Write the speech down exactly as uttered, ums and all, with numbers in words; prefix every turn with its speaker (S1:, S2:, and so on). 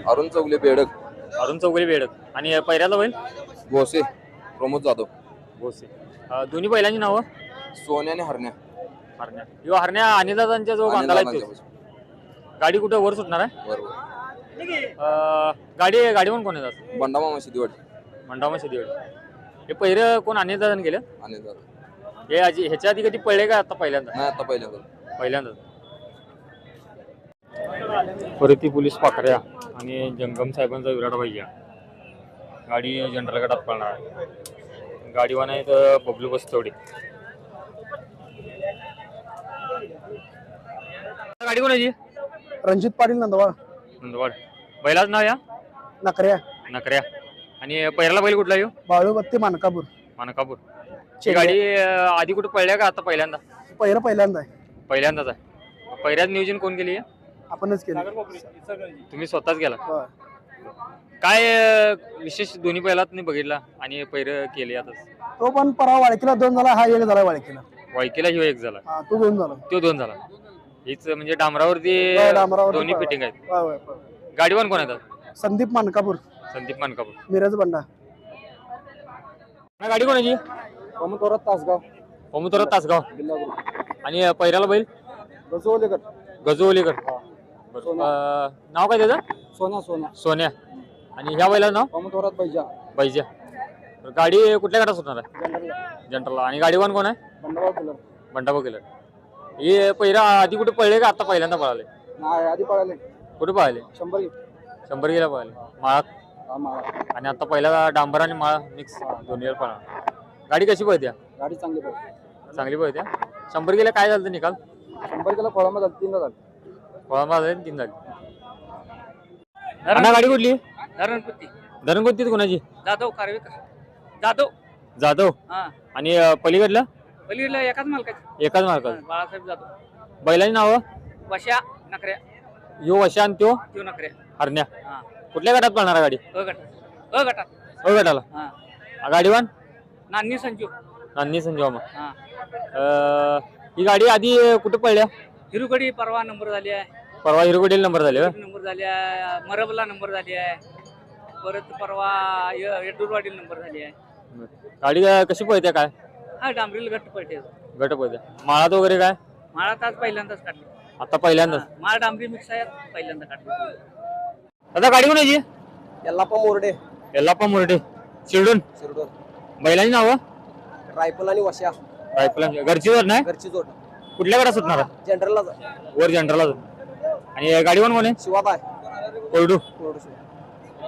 S1: अरुण चौगले बेडक.
S2: अरुण चौगले बेडक. आणि पहिल्याला बैल
S1: भोसे प्रमोद जाधव.
S2: भोसे. दोन्ही बैलांची नावं
S1: सोन्या आणि हरण्या.
S2: हरण्या. यो हरण्या अनिलदादांच्या जो बांधाला आहे तोच. गाडी कुठं वर सुटणार आहे?
S1: बरोबर.
S2: गाडी गाडी पण कोण येतात?
S1: बंडामामा शिदीवाडी.
S2: बंडामा शिदीवाडी. हे पहिलं कोण अनिलदादान केलं?
S1: अनिलदादा.
S2: हे आजी ह्याच्या आधी कधी पडले का आता पहिल्यांदा?
S1: नाही आता पहिल्यांदा.
S2: पहिल्यांदाच. परती पोलीस पाखऱ्या आणि जंगम साहेबांचा विराट भैया. गाडी जनरल गटात पळणार आहे. गाडीवान आहेत बबलू बस्तवडे. गाडी कोणाची?
S3: रणजित पाटील नंदवाड.
S2: नंदवाड. बैलाच नाव या
S3: नकऱ्या.
S2: नकऱ्या. आणि पहिला बैल कुठला येऊ?
S3: बाळूबत्ती मानकापूर.
S2: मानकापूर. ही गाडी आधी कुठे पळल्या का आता पहिल्यांदा?
S3: पहिलं पहिल्यांदा आहे.
S2: पहिल्यांदाच आहे. पहिल्याच नियोजन कोण केली?
S3: आपणच केलं.
S2: तुम्ही स्वतःच गेला?
S3: होय.
S2: काय विशेष दोन्ही पहिलात नाही बघितला आणि पहिरं केले आता?
S3: तो पण परवा वाळकीला दोन झाला, हा एक झाला वाळकीला.
S2: वाळकीला ह्यो एक झाला.
S3: हा तो दोन झाला.
S2: तो दोन झाला. हीच म्हणजे डांबरावरती
S3: होय, डांबरावरती
S2: दोन्ही
S3: पळवा.
S2: फिटिंग आहेत.
S3: होय, होय, होय.
S2: गाडीवान कोण येतात?
S3: संदीप मानकापूर.
S2: संदीप मानकापूर.
S3: मिरज बंडा.
S2: गाडी कोणाची?
S3: कोमतोरत तासगाव.
S2: कोमतोरत तासगाव. आणि पहिल्याला बैल
S3: गजोलेकर.
S2: गजोलीकर. नाव काय त्याचं?
S3: सोन्या. सोन्या.
S2: सोन्या. आणि ह्या बैलाचं नाव?
S3: कोमतोरत बैजा.
S2: बैजा. गाडी कुठल्या गटात सुटणार आहे? जनरलला. आणि गाडीवान कोण आहे?
S3: बंडाभाऊ किलर.
S2: बंडाभाऊ किलर. हे पहिला आधी कुठे पळले का आता पहिल्यांदा पळाले?
S3: नाही आधी पळाले.
S2: कुठे पळाले?
S3: शंभर
S2: शंभर गेला पळाले. माळात. आणि आता पहिला डांबर आणि माळा मिक्स दोन्ही पळणार. गाडी कशी पळत्या?
S3: गाडी चांगली पळते.
S2: चांगली पळत्या. शंभर गेला काय झालं निकाल?
S3: शंभर किलो फळामा झाली. तीनदा झाली.
S2: फळामा झाली तीन झाली. गाडी कुठली?
S4: धरणपत्ती.
S2: धरणपत्ती कोणाची?
S4: जाधव कारवेकर. जाधव.
S2: जाधव.
S4: हा.
S2: आणि पलीकडलं?
S4: पलीकडला एकाच मालकाची.
S2: एकाच मार्काचं.
S4: बाळासाहेब जाधव.
S2: बैलांची नाव?
S4: वशा नकऱ्या.
S2: यो वशा आणि त्यो
S4: त्यो नकऱ्या.
S2: हरण्या.
S4: हा.
S2: कुठल्या गटात पळणार गाडी?
S4: अ गटात. अ गटात.
S2: अ गटाला.
S4: हा.
S2: गाडीवान?
S4: नान्नी संजू.
S2: नान्नी संजोमा.
S4: हा.
S2: ही गाडी आधी कुठे पडल्या?
S4: हिरुगडी परवा नंबर झाली आहे.
S2: परवा हिरुगडीला नंबर झाले.
S4: नंबर झाली आहे. मरबला नंबर झाली आहे. परत परवा येडूरवाडीला नंबर झाली आहे.
S2: गाडी कशी पळते काय?
S4: हा डांबरीला घट्ट पडते.
S2: गट पळते. माळात वगैरे काय?
S4: माळात आज पहिल्यांदाच काढली.
S2: आता पहिल्यांदाच.
S4: माळ डांबरी मिक्स आहे पहिल्यांदा काढली.
S2: आता गाडी कोणाची?
S3: यल्लाप्पा मोरडे.
S2: यल्लाप्पा मोरडे. शिरडून.
S3: शिरडोन.
S2: बैलांची नाव?
S3: रायफल आणि वशा.
S2: रायफल. घरची जोड नाही?
S3: घरची जोड.
S2: कुठल्या गटात सुटणार?
S3: जनरलला
S2: वर जनरलला. आणि गाडीवान कोण आहे?
S3: शिवाबाई.
S2: कोरडू.
S3: कोरडू.